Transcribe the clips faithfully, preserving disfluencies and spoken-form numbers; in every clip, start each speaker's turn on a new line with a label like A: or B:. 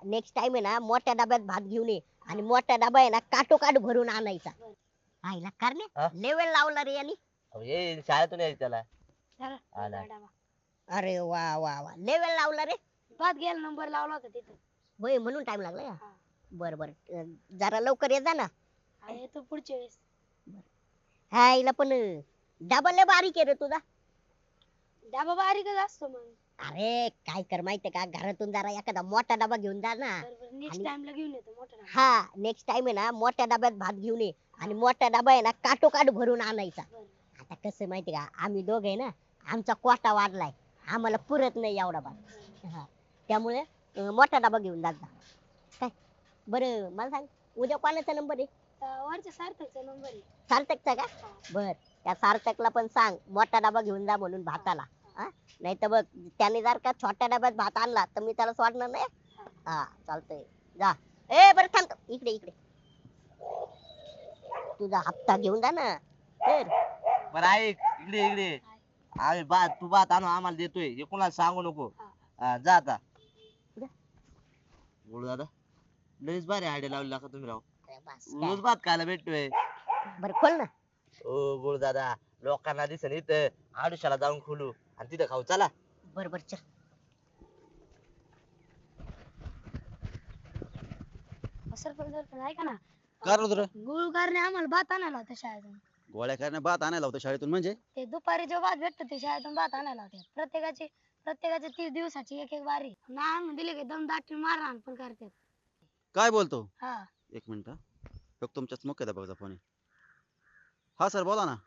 A: Next time आहे ना मोठ्या डब्यात भात घेऊन ये आणि मोठा डबा आहे ना काटोकाट भरून आणायचा. आईला
B: हा?
A: करणे लेवल लावला रे यांनी.
B: अहो, ये शाळेतून यायचं त्याला.
C: चला,
B: आला.
C: डबा.
A: अरे वा वा वा लेवल लावला रे.
C: भात घ्यायला नंबर लावला होता तिथं.
A: होय म्हणून टाइम लागला का?
C: हा.
A: बर बर अं, जरा लवकर ये जा ना.
C: हा, येतो पुढच्या वेळेस.
A: हा आईला पण डबा लय बारीक आहे रे तुझा.
C: डबा बारीकच असतो मग.
A: अरे काय कर माहितीये का घरातून जरा एखादा मोठा डबा घेऊन जा ना.
C: नेक्स्ट
A: आणि-
C: टाइमला घेऊन येतो मोठा डबा.
A: हा नेक्स्ट टाइम आहे ना मोठ्या डब्यात भात घेऊन ये आणि मोठा डबा आहे ना काटोकाट भरून आणायचा.
C: बरं.
A: आता कसं माहिती का आम्ही दोघे आहे ना आमचा कोटा वाढलाय आम्हाला पुरत नाही एवढा भात. हा त्यामुळे अं, मोठा डबा घेऊन जात जा. काय बरं मला सांग उद्या कोणाचा नंबर आहे?
C: तर वरच्या सार्थकचा नंबर आहे.
A: सार्थकचा का?
C: हा.
A: बर त्या सार्थकला पण सांग मोठा डबा घेऊन जा म्हणून भाताला. हा नाही तर बघ त्याने जर का छोट्या डब्यात भात आणला तर मी त्याला सोडणार नाही. हा चालतंय जा. ए बरं थांब थांब. इकडे इकडे तुझा हप्ता घेऊन जा ना तर.
B: बरं ऐक इकडे इकडे. आम्ही भात तू भात आणून आम्हाला देतोय हे कोणाला सांगू नको.
C: हा.
B: हा, जा आता.
A: कुठं?
B: बोलू दादा लयच भारी आयडिया लावली का तुम्ही राव.
A: अरे बस
B: रोज भात खायला भेटतोय.
A: काय. बरं खोल ना.
B: ओ गुरु दादा लोकांना दिसन इथं आडुशाला जाऊन खोलू आणि तिथं खाऊ चला.
A: बर बर चल.
C: सरपंच सरपंच ऐका ना.
D: काय रे तुला
C: गुळकारने आम्हाला भात आणायला होता शाळेतून.
D: गोळ्या करण्या भात आणायला होता शाळेतून म्हणजे
C: ते दुपारी जो भात भेटतो ते शाळेतून भात आणायला होते. प्रत्येकाची प्रत्येकाची तीस दिवसाची एक एक बारी. नाही आणून दिले की दम दाटी मारहाण पण करतात.
D: काय बोलतो
C: हा.
D: एक मिनिट हा. बघ तुमच्याच मुख्याध्यापकाचा फोन आहे. हा सर बोला ना.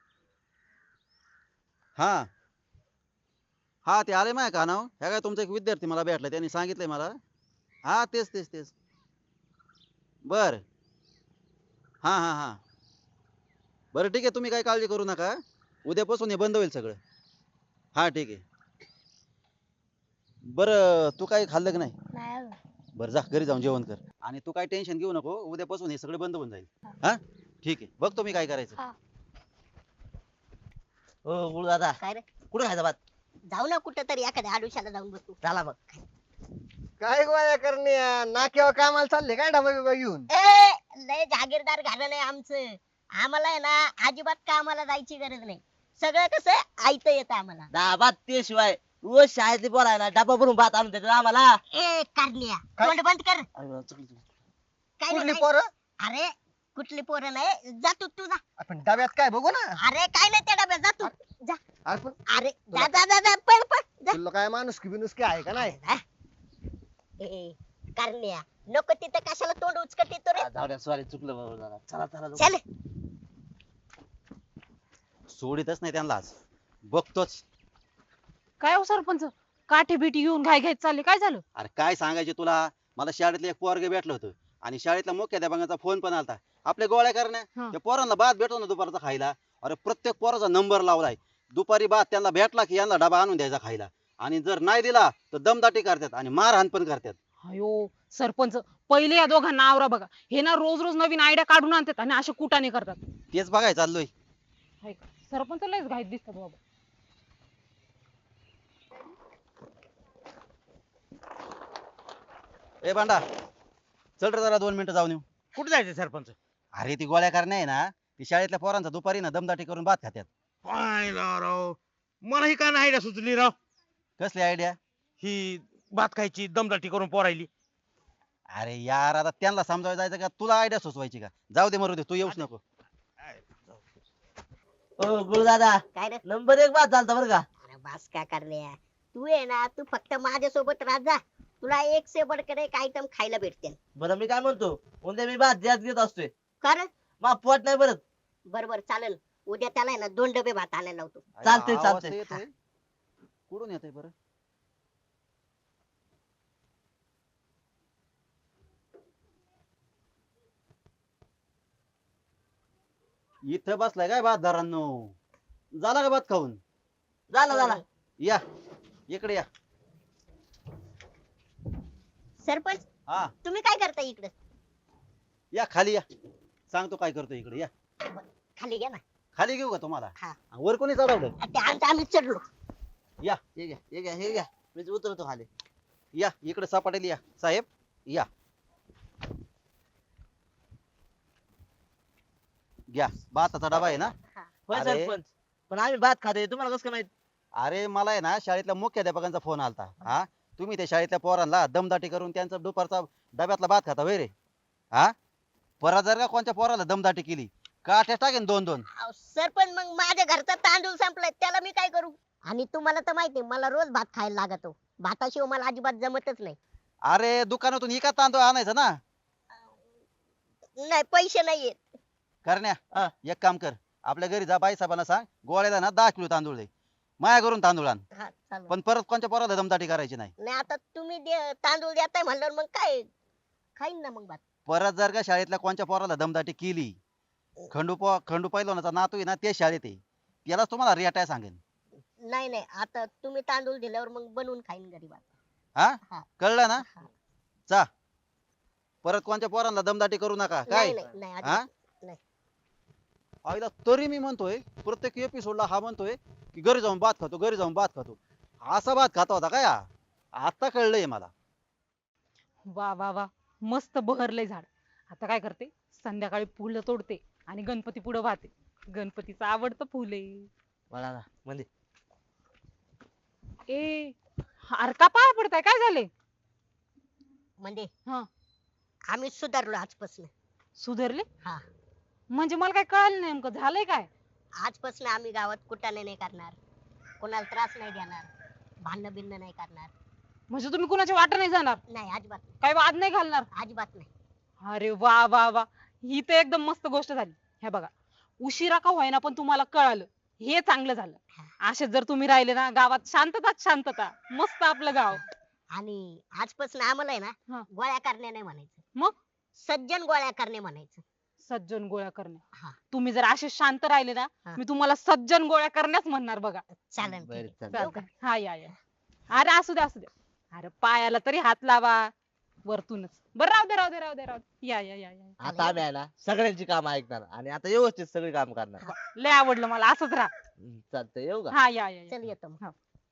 D: हा हा ते आले माय का नाव ह्या काय तुमचा एक विद्यार्थी मला भेटला त्यांनी सांगितलंय मला. हा तेच तेच तेच बर हा हा हा बरं ठीक आहे तुम्ही काय काळजी करू नका उद्यापासून हे बंद होईल सगळं. हा ठीक आहे बरं तू काही खाल्लं की नाही?
C: नाही अजून.
D: बरं जा घरी जाऊन जेवण कर आणि तू काही टेन्शन घेऊ नको उद्यापासून हे सगळं बंद होऊन जाईल. हा ठीक आहे बघ तुम्ही काय करायचं.
C: हा.
B: ओ गुरु दादा
A: काय रे
B: कुठे खायचा भात?
A: जाऊ ना कुठं तरी एखाद्या आडुशाला जाऊन बसू.
B: चला मग.
E: काय गोळ्या करणे नाक्यावर कामाला चालले काय डबा बिबा घेऊन?
A: ए लय जागीरदार घालणं आहे आमचं. आम्हाला आहे ना अजिबात कामाला जायची गरज नाही. सगळं कसं ऐकतं येतं आम्हाला.
B: दहा भात ते शिवाय रोज शाळेतली बोलायला डबा भरून भात आणून देतात आम्हाला.
A: ए कारण्या
E: काय?
A: तोंड बंद कर.
B: अरे, चुकलं, चुकलं.
A: काय
E: कुठली
A: नाही,
E: पोरं?
A: काय- अरे कुठली पोरं नाही जा तू तू जा.
E: आपण डब्यात काय बघू ना.
A: अरे काय नाही त्या डब्यात जा तू जा.
E: अरे पण
A: अरे जा जा जा जा पळ पळ जा.
E: तुला काय माणूस की बिनुस की आहे का नाही?
A: जा. ए कारण्या नको तिथं कशाला तोंड उचकट येतो रे.
B: हा, जाऊ द्या सॉरी चुकलं बाबा दादा. चला चला जाऊ.
A: चल
D: सोडितच नाही त्यांना आज बघतोच.
F: काय हो सरपंच काठी बिटी घेऊन घाई घाईत चालले काय झालं?
D: अरे काय सांगायचे तुला मला शाळेतलं एक पोरग भेटलं होतं आणि शाळेतल्या मुख्याध्यापकाचा फोन पण आलता आपल्या गोळ्या करण्या
F: हा.
D: त्या पोरांना भात भेटतो ना दुपारचा खायला. अरे प्रत्येक पोराचा नंबर लावलाय दुपारी भात त्यांना भेटला की यांना डबा आणून द्यायचा खायला आणि जर नाही दिला तर दमदाटी करतात आणि मारहाण पण करतात.
F: अयो सरपंच पहिले या दोघांना आवरा बघा. हे ना रोज रोज नवीन आयडिया काढून आणतात आणि असे कुटाने करतात.
D: तेच बघाय चाललोय.
F: हाय का? सरपंच लयच घाईत दिसतात बाबा.
D: ए भांडा चल रे जरा दोन मिनिटं जाऊन येऊ.
G: कुठे जायचं सरपंच?
D: अरे ती गोळ्या करण्या आहे ना ती शाळेतल्या पोरांचा दुपारी ना दमदाटी करून भात खात्यात.
G: पाहिला राव मला ही का नाही आयडिया सुचली राव.
D: कसली आयडिया?
G: ही भात खायची दमदाटी करून पोरायली.
D: अरे यार आता त्यांना समजावं जायचं का तुला आयडिया सुचवायची का? जाऊ दे मरू दे तू येऊच नको.
B: ओ गुरु दादा
A: काय रे
B: नंबर एक भात चालता बरं का.
A: अरे बास काय कारण्या तू आहे ना तू फक्त माझ्यासोबत राह जा. तुला एक से बडकर एक आयटम खायला भेटते.
B: बरं मी काय म्हणतो उद्या मी भात जास्त घेत असतोय.
A: कारण
B: मग पोट नाही भरत.
A: बरोबर चालेल उद्या त्याला आहे ना दोन डबे भात आणायला लावतो.
B: चालतंय,
D: आवाज
B: चालतंय.
D: तर येतोय. कुठून येतोय बरं? इथं बसलाय काय भात धरांनो झाला का भात खाऊन?
B: झाला झाला.
D: या इकडे या.
A: सरपंच
D: हा
A: तुम्ही काय करता इकडे?
D: या खाली या सांगतो काय करतो इकडे या.
A: खाली घ्या ना.
D: खाली घेऊ का तुम्हाला?
A: हा.
D: वर कोणी चढवलं?
A: ते आमचं आम्ही चढलो.
D: या
B: हे घ्या हे घ्या हे घ्या मी उतरतो खाली.
D: या इकडे सपाटेल या साहेब या घ्या भाताचा डबा आहे ना.
B: होय
D: अरे.
B: सरपंच पण आम्ही भात खाते तुम्हाला कसं काय माहित
D: अरे मला आहे ना शाळेतल्या मुख्याध्यापकांचा फोन आलता. हा तुम्ही त्या शाळेतल्या पोरांना दमदाटी करून त्यांचा दुपारचा डब्यातला भात खाता वय रे. हा परत जर का कोणत्या पोराला दमदाटी केली काठ्या टाकेन दोन दोन.
A: अहो, सरपंच मग माझ्या घरचा तांदूळ संपलाय त्याला मी काय करू? आणि तुम्हाला तर माहिती आहे, मला रोज भात खायला लागतो. भाताशिवाय मला अजिबात जमतच नाही.
D: अरे दुकानातून इका तांदूळ आणायचा ना.
A: नाही पैसे नाहीये.
D: करण्या
B: हा.
D: एक काम कर आपल्या घरी जा बाई साहेबांना सांग गोळ्याला ना दहा किलो तांदूळ दे माया करून तांदूळ आण.
A: हा चालेल.
D: पण परत कोणत्या पोराला दमदाटी करायची नाही.
A: नाही आता तुम्ही दे- तांदूळ देताय म्हणल्यावर मग काय खाईन ना मग भात.
D: परत जर का शाळेतल्या कोणत्या पोराला दमदाटी केली खंडू पो खंडू पैलवानाचा नातू आहे ना ते शाळेत आहे त्यालाच तुम्हाला रेटाय सांगेन.
A: नाही नाही आता तुम्ही तांदूळ दिल्यावर मग बनवून खाईन घरी भात.
D: हा
A: हा.
D: कळलं ना.
A: हा.
D: चा परत कोणत्या पोरांना दमदाटी करू नका काय.
A: नाही नाही नाही
D: हा
A: अजिबात. नाही.
D: आईला तरी मी म्हणतोय प्रत्येक एपिसोडला हा म्हणतोय की घरी जाऊन भात खातो घरी जाऊन भात खातो. असा भात खाता होता काय हा? आता कळलंय मला.
F: वा वा वा मस्त बहरलंय झाड. आता काय करते संध्याकाळी फुलं तोडते आणि गणपती पुढे वाहते. गणपतीचं आवडतं फुल आहे.
B: मला ना म्हणजे
F: ए अरे का पाया पडताय काय झाले?
A: म्हणजे
F: हा
A: आम्ही सुधारलो आजपासून.
F: सुधारले
A: हा
F: म्हणजे मला काय कळलं नाही नेमकं झालंय काय?
A: आजपासून आम्ही गावात कुटाणे नाही करणार, कोणाला त्रास नाही देणार, भांडण बिन्न नाही करणार.
F: म्हणजे तुम्ही कुणाच्या वाटा नाही जाणार,
A: नाही अजिबात नाही.
F: काही वाद नाही घालणार?
A: अजिबात नाही.
F: अरे वा वा वा ही तर एकदम मस्त गोष्ट झाली. हे बघा उशिरा का होईना पण तुम्हाला कळालं हे चांगलं झालं. असेच जर तुम्ही राहिले ना गावात शांतताच शांतता मस्त आपलं गाव.
A: आणि आजपासून आम्हाला आहे
F: हा.
A: ना गोळ्या करणे नाही म्हणायचं,
F: मग
A: सज्जन गोळ्या करणे म्हणायचं.
F: सज्जन गोळ्या करणे.
A: हा.
F: तुम्ही जर असे शांत राहिले ना
A: हा.
F: मी तुम्हाला सज्जन गोळ्या करण्याच म्हणणार बघा.
A: चालेल
B: बरं,
A: ठीक आहे.
B: चालेल.
A: येऊ का?
F: हा या या अरे असू दे असू दे. अरे पायाला तरी हात लावा वरतूनच. बरं राहू दे राहू दे राहू दे राहू दे. या या या या
B: आता आम्ही आहे ना सगळ्यांची काम ऐकणार आणि आता व्यवस्थित सगळी काम करणार.
F: लय आवडलं मला असंच राहा.
B: हम्म, चालतंय येऊ का
F: हा या या या.
A: चल येतो मग.
F: हा.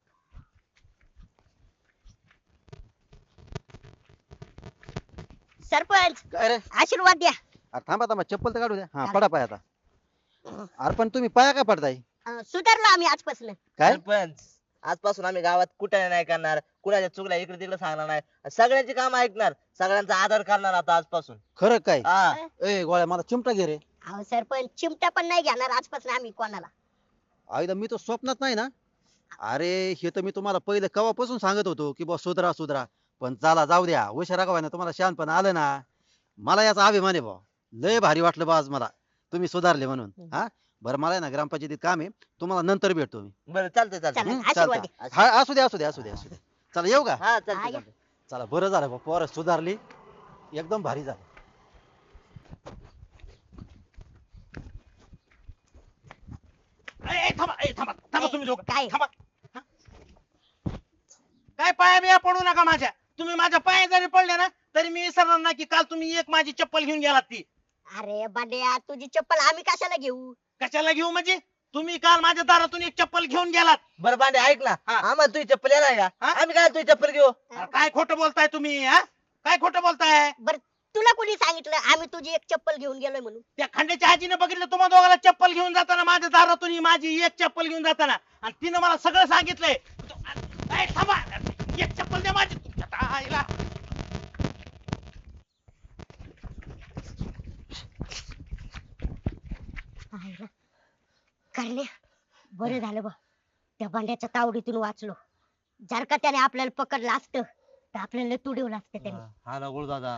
A: सरपंच
D: काय रे
A: आशीर्वाद द्या.
D: अरे थांबा थांबा चप्पल तर काढू द्या. हा पडा पाय आता. अरे पण तुम्ही पाया काय पडताय
A: अं, सुधारलो आम्ही आजपासून.
D: काय.
B: सरपंच आजपासून आम्ही गावात कुठे नाही करणार कुणाच्या चुकल्या इकडे तिकडे सांगणार नाही सगळ्यांची काम ऐकणार सगळ्यांचा आदर करणार आता आजपासून.
D: खरं काय.
B: हा
D: ए गोळ्या मला चिमटा घे रे.
A: अहो सरपंच चिमटा पण नाही घेणार आजपासून आम्ही कोणाला.
D: आईला मी तो स्वप्नात नाही ना. अरे हे तर मी तुम्हाला पहिले कवापासून सांगत होतो की बा सुधरा सुधरा पण चला जाऊ द्या उशिरा का ना तुम्हाला शानपण आलं ना. मला याचा अभिमान आहे बा. लय भारी वाटलं बा आज मला तुम्ही सुधारले म्हणून. हा बरं मला आहे ना ग्रामपंचायतीत काम आहे तुम्हाला नंतर भेटतो मी.
B: बरं चालतंय चालतंय
A: चला,
D: हं,
A: आशीर्वाद
D: चालतं. हा असू द्या असू द्या असू द्या असू द्या. चला येऊ का.
B: हा
A: हा,
B: चालतंय
A: या.
B: चालतंय.
D: चला बरं झालं बा पोरं सुधारली एकदम भारी झालं.
G: ए, ए, थांबा ए, थांबा थांबा तुम्ही दोघं
A: काय?
G: थांबा हा? काय पाया बिया पडू नका माझ्या. तुम्ही माझ्या पाया जरी पडले ना तरी मी विसरणार नाही की काल तुम्ही एक माझी चप्पल घेऊन गेलात ती.
A: अरे बांड्या तुझी चप्पल आम्ही कशाला घेऊ?
G: कशाला घेऊ म्हणजे तुम्ही काल माझ्या दारातून एक चप्पल घेऊन गेलात.
B: बरं बांडे ऐक ना
G: हा.
B: आम्हाला तुझी चप्पल येणार का
G: हा?
B: आम्ही काय तुझी चप्पल घेऊ
G: अरे काय खोटं बोलताय तुम्ही हा काय खोटं बोलताय.
A: बर तुला कोणी सांगितलं आम्ही तुझी एक चप्पल घेऊन गेलोय म्हणून?
G: त्या खंड्याच्या आजीने बघितलं तुम्हा दोघाला चप्पल घेऊन जाताना माझ्या दारातून ही माझी एक चप्पल घेऊन जाताना आणि तिनं मला सगळं सांगितलंय. ए, थांबा एक चप्पल द्या माझी तुमच्या आईला.
A: करण्या बरं झालं बा त्या बांड्याच्या तावडीतून वाचलो. जर का त्याने आपल्याला पकडलं असतं तर आपल्याला तुडवलं असतं त्याने.
B: हा ना गुरु दादा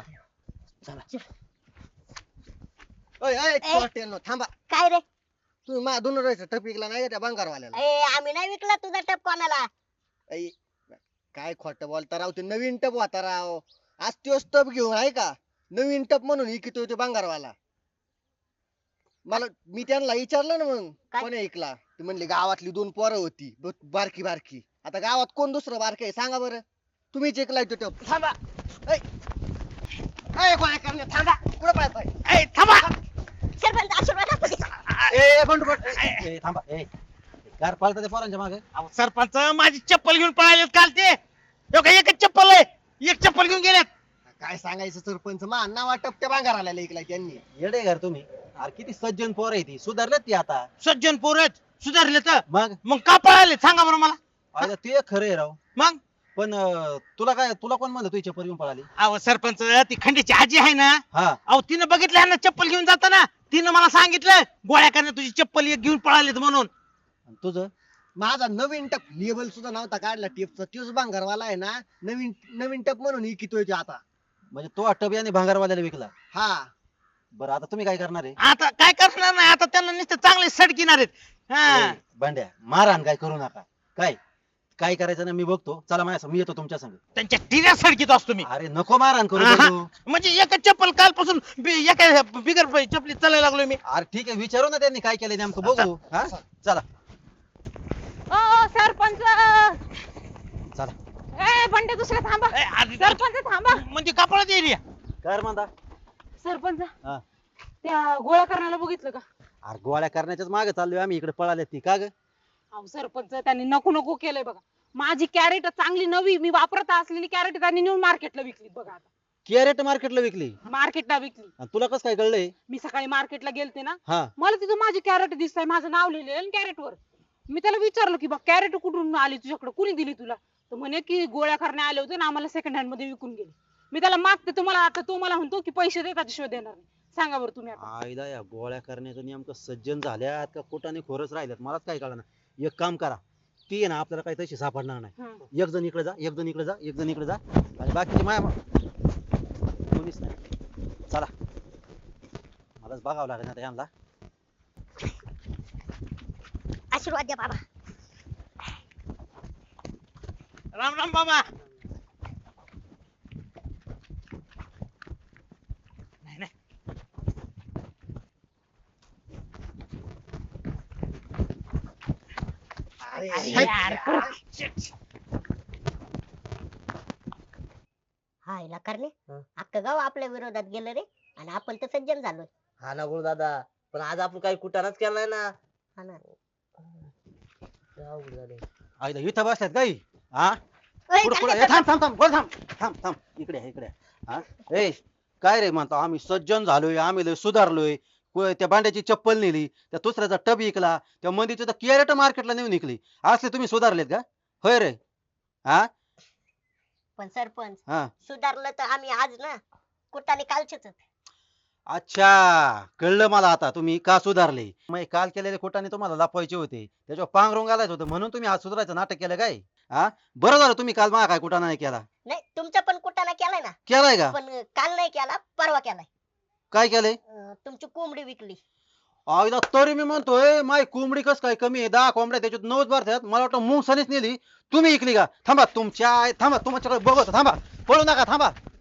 E: ओय ओय
A: ए.
E: चोरट्यांनो, थांबा.
A: काय रे?
E: तुम्ही मा दोन राहायचं टपिकला नाही का त्या बंगारवाल्याला.
A: ए आम्ही नाही विकला तुझा टप कोणाला.
E: ऐ, काय खोटं बोलता राव ते नवीन टप होता राव. आज तोच टप घेऊन आहे का नवीन टप म्हणून इकितो ते बंगारवाला. मला मी त्यांना विचारलं ना मग
A: काय?
E: कोणी ऐकला ते म्हणले गावातली दोन पोरं होती ब- बारकी बारकी. आता गावात कोण दुसरं बारक आहे सांगा बरं. तुम्हीच ऐकलाय तो टप.
G: थांबा
E: ऐ गोळ्या करणे थांबा कुठं पाहताय.
G: ए, थांबा
A: सरपंच आशीर्वाद असू दे.
D: ए ए, बंडू बंडू. ए, ए, थांबा ए कार पाळता ते पोरांच्या मागे.
G: अहो, सरपंच माझी चप्पल घेऊन पळालेत काल ते. हो का, एकच चप्पल आहे एक चप्पल घेऊन गेलेत.
E: काय सांगायचं सरपंच मा नावा टपक्या भांगाराला ऐकलाय त्यांनी.
D: येडे घर तुम्ही. अरे किती सज्जन पोर आहे ती, सुधारलेत ती आता.
G: सज्जन पोरच सुधारले तर
D: मग
G: मग का पळाले सांगा बरं मला.
D: अरे ते खरं आहे राव.
G: मग
D: पण अं, तुला काय तुला कोण म्हणलं तुझी चप्पल घेऊन पळाली?
G: अहो सरपंच ती खंडीची आजी आहे ना,
D: हा
G: अहो तिनं बघितलं ह्यांना चप्पल घेऊन जाताना, तिनं मला सांगितलं गोळ्या करण्या तुझी चप्पल एक घेऊन पळालीत म्हणून.
D: आणि तुझं?
E: माझा नवीन टप लेबल सुद्धा नव्हता काढला टिपचा, तोच भांगारवाला आहे ना नवीन नवीन टप म्हणून इकितोय तो आता.
D: म्हणजे तो अट्टबियाने भांगारवाल्याला विकला.
E: हा
D: बरं आता तुम्ही काय करणार आहे?
G: आता काय करणार नाही, आता त्यांना नुसतं चांगले सडकिणार आहेत. हा
D: ए, भांड्या मारहाण काय करू नका. काय काय करायचं ना मी बघतो. चला माझ्या मी येतो तुमच्या संग.
G: त्यांच्या टिऱ्या सडकीत असतो मी.
D: अरे नको मारहाण करू
G: आहा.
D: बघू.
G: म्हणजे एका चप्पल कालपासून बी- एका बिगर चपली चालायला लागलोय मी.
D: अरे ठीक आहे विचारू ना त्यांनी काय केलं नेमकं बघू. हा चला
F: ओ सरपंच
D: चला.
F: ए बंडे दुसरे थांबा.
G: ए, आधी-
F: सरपंच थांबा.
G: म्हणजे कपाळात एरिया.
D: कर म्हणता.
F: सरपंच
D: हा.
F: त्या गोळ्या करण्याला बघितलं का?
D: अरे गोळ्या करण्याच्याच मागे चाललोय आम्ही, इकडे पळाले ती का ग?
F: अहो सरपंच त्यांनी नको नको केलंय बघा. माझी कॅरेट चांगली नवी मी वापरत असलेली कॅरेट त्यांनी नेऊन मार्केटला विकली बघा. आता
D: कॅरेट मार्केटला विकली?
F: मार्केटला विकली.
D: आणि तुला कसं काय कळलंय?
F: मी सकाळी मार्केटला गेलते ना,
D: हा
F: मला तिथं माझी कॅरेट दिसतंय, माझं नाव लिहिलेलं कॅरेट वर. मी त्याला विचारलं की बा कॅरेट कुठून आली तुझ्याकडे, कुणी दिली तुला? तर म्हणे की गोळ्या करण्या आले होते ना, आम्हाला सेकंड हँड मध्ये विकून गेले. मी त्याला मागते तुम्हाला, आता तो मला म्हणतो की पैसे दे, त्याच्याशिवाय देणार नाही. सांगा बरं तुम्ही आता.
D: आईला या गोळ्या करण्याचं नेमकं सज्जन झाल्यात का कुठाने खोरच राहिल्यात मलाच काय कळलं. एक काम करा, ती आहे ना आपल्याला काही तशी सापडणार नाही.
F: हं.
D: एक जण इकडे जा, एक जण इकडे जा, एक जण इकडे जा आणि बाकीचे माया कोणीच नाही. चला मलाच बघावं लागेल आता यांना.
A: आशीर्वाद द्या बाबा.
G: राम राम बाबा. नाही नाही
E: अरे
G: अरे यार, shit.
A: हा हिला करणे
B: हं.
A: अख्खं गाव आपल्या विरोधात गेलं रे, आणि आपण तर सज्जन झालोय.
B: हा ना गुरु दादा, पण आज आपण काही कुटाणाच केला नाही ना.
A: हा ना.
B: लय अवघड झालंय.
D: आईला इथं बसल्यात काही हा
A: ओय,
D: पुढे पुढे
A: करणे,
D: थांब थांब थांब बोल थांब थांब थांब इकडे आहे, इकडे आहे. हा ए काय रे म्हणतो आम्ही सज्जन झालोय, आम्ही लय सुधारलोय. को- त्या भांड्याची चप्पल नेली, त्या दुसऱ्याचा टब विकला, त्या मंदीची तर कॅरेट मार्केटला नेऊन विकली. असले तुम्ही सुधारलेत का? होय रे. हा
A: पण सरपंच
D: हा
A: सुधारलं तर आम्ही आज ना, कुठाने कालचेच.
D: अच्छा कळलं मला आता तुम्ही का सुधारले. मग काल केलेले खोटाने तुम्हाला लपवायचे होते, त्याच्यावर पांघरून घालायचं होतं म्हणून तुम्ही आज सुधारायचं नाटक केलं काय? हा बरं झालं तुम्ही काल मला काय कुटाणा नाही केला.
A: नाही तुमचा पण कुठाना केलाय ना,
D: केलाय का?
A: पण काल नाही केला, परवा केलाय.
D: काय केलंय?
A: अं, तुमची कोंबडी विकली.
D: आईला तरी मी म्हणतोय माय कोंबडी कस काय कमी आहे, दहा कोंबड्या त्याच्यात नऊच भरतात, मला वाटतं मुंगसानीच नेली, तुम्ही इकली का? थांबा तुमच्या थांबा तुमच्याकडे बघत थांबा, पळू नका थांबा.